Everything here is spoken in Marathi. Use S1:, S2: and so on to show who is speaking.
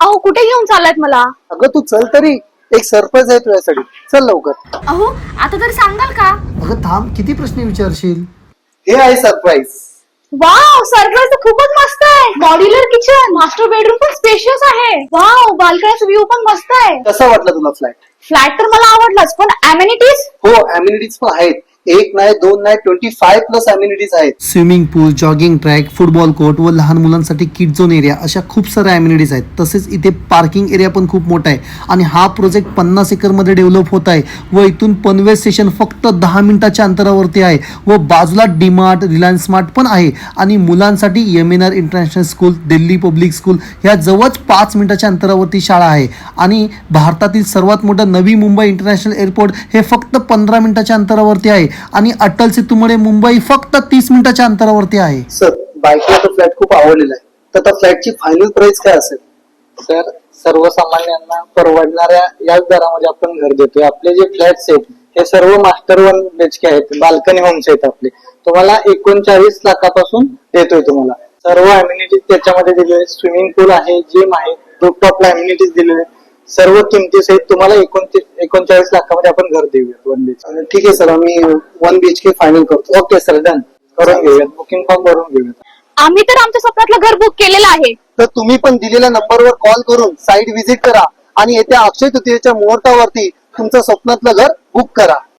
S1: अहो कुठे घेऊन चाललात मला?
S2: अगं तू चल तरी, एक सरप्राईज आहे तुझ्यासाठी. चल लवकर.
S1: अहो आता तरी सांगाल का?
S2: अगं थांब, किती प्रश्न विचारशील? हे आहे सरप्राईज.
S1: वाव, सरप्राईज तर खूपच मस्त आहे. मॉड्युलर किचन, मास्टर बेडरूम पण स्पेशियस आहे. वाव, बाल्कनीचा व्ह्यू पण मस्त आहे.
S2: कसा वाटला तुला फ्लॅट?
S1: फ्लॅट तर मला आवडलाच, पण अमेनिटीज?
S2: हो, अम्युनिटीज पण आहेत. एक नाही, दोन नाही, 25+ अम्युनिटीज आहेत. Swimming pool, jogging track, football court व लहान मुलांसाठी किड झोन एरिया, अशा खूप साऱ्या अम्युनिटीज आहेत. तसेच इथे पार्किंग एरिया पण खूप मोठा आहे. आणि हा प्रोजेक्ट 50 एकरमध्ये डेव्हलप होत आहे व इथून पनवेल स्टेशन फक्त 10 मिनिटाच्या अंतरावरती आहे व बाजूला डीमार्ट, रिलायन्स स्मार्ट पण आहे. आणि मुलांसाठी MNR international school, Delhi Public School ह्या जवळच 5 मिनिटाच्या अंतरावरती शाळा आहे. आणि भारतातील सर्वात मोठं नवी मुंबई इंटरनॅशनल एअरपोर्ट हे फक्त 15 मिनिटाच्या अंतरावरती आहे. आणि अटल सेतूमुळे मुंबई फक्त 30 मिनिटाच्या अंतरावरती आहे. सर, बायकोला तो फ्लॅट खूप आवडलेला आहे. तर त्या फ्लॅटची फायनल प्राइस काय असेल?
S3: सर, सर्वसामान्यांना परवडणाऱ्या याच दरामध्ये आपण घर देतोय. आपले जे फ्लॅट्स आहेत हे सर्व मास्टर 1 BHK आहेत, बाल्कनी होम्स आहेत आपले. तुम्हाला 39 लाखापासून देतोय. तुम्हाला सर्व अम्युनिटीज त्याच्यामध्ये दिलेले, स्विमिंग पूल आहे, जिम आहे, रूफटॉपला अम्युनिटीज दिलेले, सर्व किमती सहित तुम्हाला 39 लाखामध्ये आपण घर देऊया 1 BHK.
S2: ठीक आहे सर, आम्ही 1 BHK फायनल करतो.
S3: Okay sir, done. करून घेऊयात, बुकिंग फॉर्म भरून घेऊयात.
S1: आम्ही तर आमच्या स्वप्नातलं घर बुक केलेलं आहे.
S2: तर तुम्ही पण दिलेल्या नंबरवर कॉल करून साईट व्हिजिट करा आणि येत्या अक्षय तृतीयेच्या मुहूर्तावरती तुमचं स्वप्नातलं घर बुक करा.